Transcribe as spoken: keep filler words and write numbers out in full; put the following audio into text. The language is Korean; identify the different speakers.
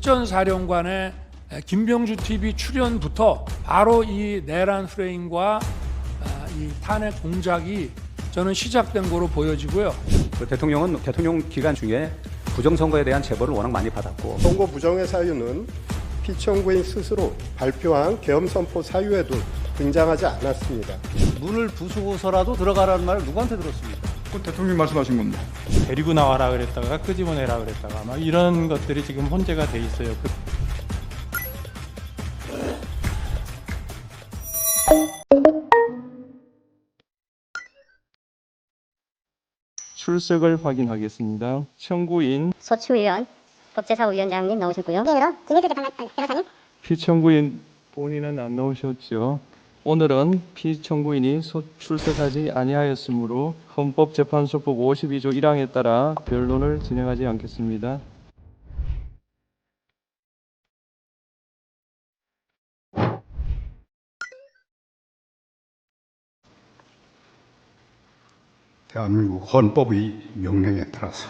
Speaker 1: 전 사령관의 김병주 티비 출연부터 바로 이 내란 프레임과 이 탄핵 공작이 저는 시작된 거로 보여지고요.
Speaker 2: 그 대통령은 대통령 기간 중에 부정선거에 대한 제보를 워낙 많이 받았고,
Speaker 3: 선거 부정의 사유는 피청구인 스스로 발표한 계엄 선포 사유에도 등장하지 않았습니다.
Speaker 2: 문을 부수고서라도 들어가라는 말을 누구한테 들었습니까?
Speaker 4: 그 대통령이 말씀하신 건데.
Speaker 5: 데리고 나와라 그랬다가 끄집어내라 그랬다가 막 이런 것들이 지금 혼재가 돼 있어요. 그... 출석을 확인하겠습니다. 청구인
Speaker 6: 소추위원 법제사위원장님 나오셨고요. 네, 그럼 김혜주 변호사님.
Speaker 5: 피청구인 본인은 안 나오셨죠. 오늘은 피청구인이 소- 출석하지 아니하였으므로 헌법재판소법 오십이 조 일 항에 따라 변론을 진행하지 않겠습니다.
Speaker 4: 대한민국 헌법의 명령에 따라서